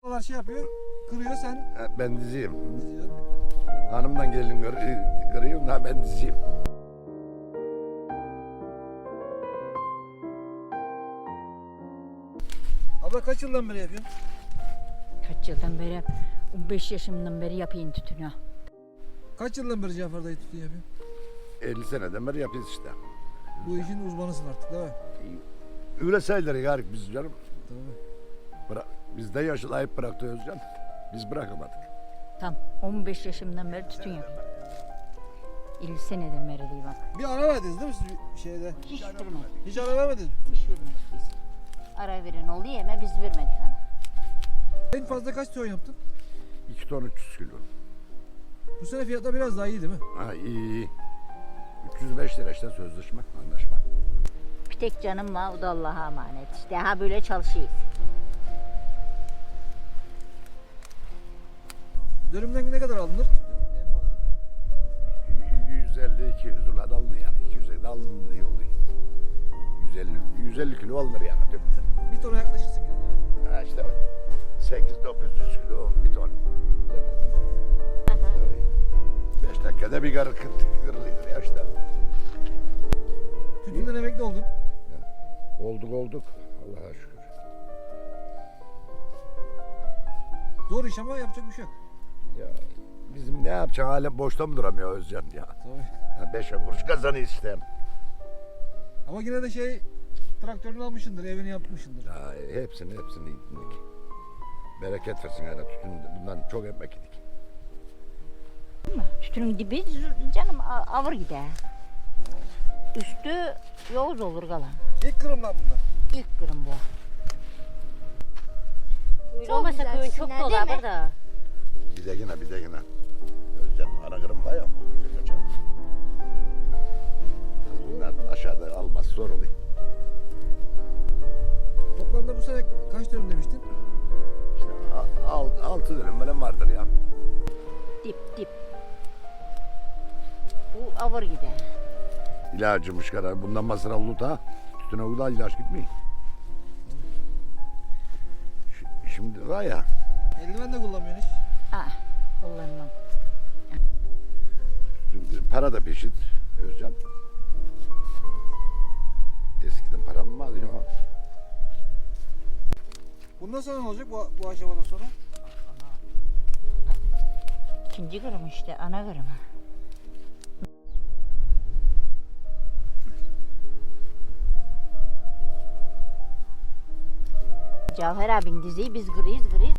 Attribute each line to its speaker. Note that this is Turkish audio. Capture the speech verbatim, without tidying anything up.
Speaker 1: Onlar şey yapıyor, kırıyor sen
Speaker 2: Ha, ben diziyim.
Speaker 1: diziyorsun.
Speaker 2: Hanımdan gelin kır- kırıyorum ha ben diziyim.
Speaker 1: Abla kaç yıldan beri yapıyorsun?
Speaker 3: Kaç yıldan beri, on beş yaşımdan beri yapayım tütünü.
Speaker 1: Kaç yıldan beri Cafer dayı tütün yapıyorsun?
Speaker 2: elli seneden beri yapıyoruz işte.
Speaker 1: Bu işin uzmanısın artık değil mi?
Speaker 2: Öyle sayılır yarik biz canım.
Speaker 1: Tabii.
Speaker 2: Bıra biz de yaşlayıp bıraktı Özcan. Biz bırakamadık.
Speaker 3: Tam on beş yaşımdan beri tütün yapıyorum. elli seneden beri değil bak.
Speaker 1: Bir ara verdiniz değil mi siz bir şeyde?
Speaker 3: Hiç vermedik.
Speaker 1: Hiç ara vermediniz.
Speaker 3: Hiç vermedik biz. Ara veren oluyor ama biz vermedik hani.
Speaker 1: En fazla kaç ton yaptın?
Speaker 2: iki ton üç yüz kilo.
Speaker 1: Bu sene fiyatlar biraz daha iyi değil mi?
Speaker 2: Ha iyi iyi. üç yüz beş lira işte sözleşme, anlaşma.
Speaker 3: Bir tek canım var, o da Allah'a emanet. İşte ha böyle çalışıyoruz.
Speaker 1: Dönümden ne kadar alınır? En fazla.
Speaker 2: yüz elli iki yüz lira da alınır yani. iki yüze de alınır diye oluyor. yüz elli yüz elli kilo alınır yani tüpten.
Speaker 1: Bir tona yaklaşırsın yine değil mi?
Speaker 2: Ha işte sekiz dokuz yüz kilo bir ton. beş dakikada bir karı kırılıyor ya işte.
Speaker 1: Tütünden emekli oldun.
Speaker 2: Olduk olduk. Allah'a şükür.
Speaker 1: Zor iş ama yapacak bir şey yok.
Speaker 2: Ya bizim ne yapacağız hala boşta mı duramıyor Özcan ya?
Speaker 1: Tabii.
Speaker 2: Ha, beşe kuruş kazanıyor işte.
Speaker 1: Ama yine de şey traktörünü almışsındır, evini yapmışsındır.
Speaker 2: Ya, hepsini hepsini yedik. Bereket versin yani tütün bundan çok ekmek yedik.
Speaker 3: Tütünün dibi canım a- avır gider. Üstü yoğuz olur kalan.
Speaker 1: İlk kırımdan bunlar.
Speaker 3: İlk kırım bu. Öyle
Speaker 4: Çok
Speaker 3: olmasa
Speaker 4: güzel
Speaker 3: köyün çok
Speaker 4: tütünler,
Speaker 3: dolu
Speaker 4: değil mi?
Speaker 3: haber da.
Speaker 2: Bir de yine bir de yine. Özcan ana kırım var ya o güzel kaçar. Bunlar aşağıda alması zor oluyor.
Speaker 1: Toplamda bu sene kaç dönüm demiştin?
Speaker 2: İşte a- al, altı dönüm falan vardır ya.
Speaker 3: Dip dip. Bu avır gider.
Speaker 2: İlacımış kadar bundan masraflı da tütüne o da ilaç gitmiyor. Ş- Şimdi var ya
Speaker 1: Eldiven de kullanmıyorsun hiç.
Speaker 3: Aa, kullanmam.
Speaker 2: para da peşit Özcan. Eskiden param mı vardı ya?
Speaker 1: Bundan sonra ne olacak bu, bu aşamadan sonra?
Speaker 3: İkinci kırım işte, ana kırım. Cafer abin diziyi biz kırıyız kırıyız.